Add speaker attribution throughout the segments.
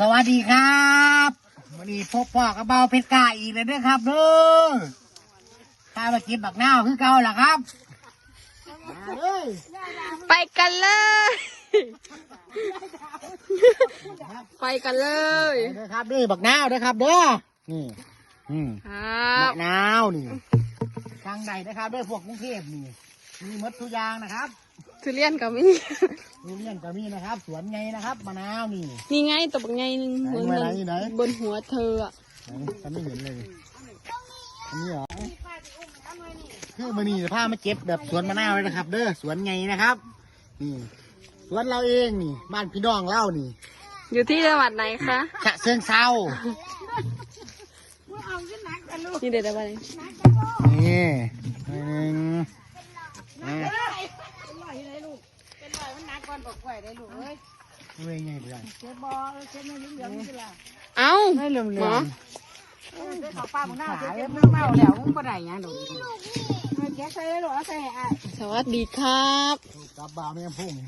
Speaker 1: วัสดีครับวันนี้พบพ่อกับเบาเพชรกาอีกเลยด้วยครับเด้อถ้ามากินบักนาวคือเก่าล่ะครับ
Speaker 2: ไปกันเลยไปกันเลย
Speaker 1: เด้อครับนี่บักนาวเด้อครับเด้อนี่บักนาวนี่ทางใดนะครับเด้อพวกกรุงเทพนี่มีมดทุกอย่างนะครับ
Speaker 2: ทุเรียนก็มี
Speaker 1: ทุเรียนก็มีนะครับสวนไงนะครับมะนาวนี่
Speaker 2: นี่ไงตัวบักไงนึงบนหัวเธออ่ะ
Speaker 1: ฉันไม่เห็นเลยอันนี้เหรอคือมันนี่ผ้ามาเก็บแบบสวนมะนาวเลยนะครับเด้อสวนไงนะครับนี่สวนเราเองนี่บ้านพี่น้องเล่านี่
Speaker 2: อยู่ที่จังหวัดไหนคะ
Speaker 1: ฉะเชิงเทรา
Speaker 2: นี่เด็ดอะไร
Speaker 1: นี่หนึ่งเว้ยไงเพื่อน
Speaker 2: เอ้า
Speaker 1: ไม่เหลื่อมเหลื่อม
Speaker 3: เขาป้ามึงน่าจะเจ็บมึงเมาแล้วมึงบ่ได้ยังดอกแกใส่เลยหรอใส่
Speaker 2: สวัสดีครับ
Speaker 1: กับบ่าวแม่พุ่ง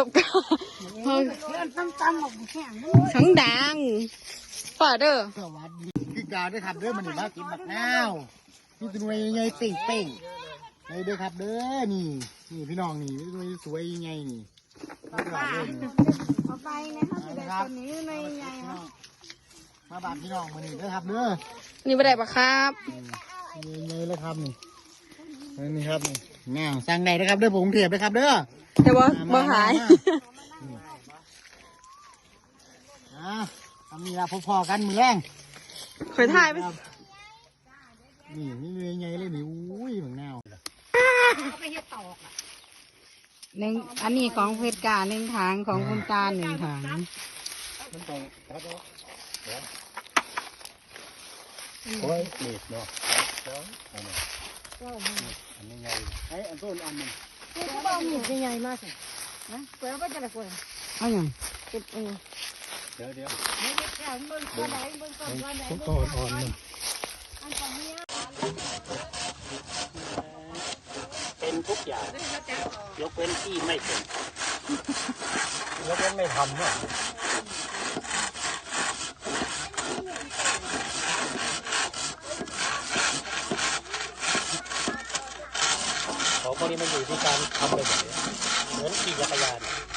Speaker 3: ตั้มออกแข็ง
Speaker 2: ทั้งดังป่าเด้อ
Speaker 1: สวัสดีพี่กาวด้วยครับเด้อมันนี่มากินบักนาวนี่ตัวใหญ่เป่งเป่งนี่เด้อครับเด้อนี่พี่น้องนี่ตัวสวยใหญ่นี่
Speaker 3: เอาไปนะครับจะได้ตัวนี้ในใหญ่
Speaker 1: มาบาดพี่น้องมันนี่เด้อครับเด้อ
Speaker 2: นี่บ่ได้ปะครับ
Speaker 1: ใหญ่เลยครับนี่ครับนี่แนวสั่งได้นะครับเด้อผมเทียบเลยครับเด้อ
Speaker 2: แต่ว่าบ่หาย
Speaker 1: มีเราพอๆกันมือแรง
Speaker 2: เคยถ่ายไหม
Speaker 1: นี่ไงเลยนี่อุ้ยเหมือนแนว
Speaker 3: หนึ่งอันนี้ของเพชรกาหนึ่งถังของคุณตาหนึ่งถัง
Speaker 1: โอ้ยเด็ดเนาะอันนี้ไงไอ้อันต้นอันนึง
Speaker 3: เอาหมูใหญ่มากสินะเปิดก็จะได้กล้วยเอาอย่างเก็บเ
Speaker 1: ดี๋ยว
Speaker 3: ต้น
Speaker 1: อ่อนมันเป็นทุกอย่างยกเว้นที่ไม่เป็นยกเว้นไม่ทำเนี่ยเขาพวกนี้มันอยู่ที่การทำไปแบบนี้เหมือนขี่จักรยาน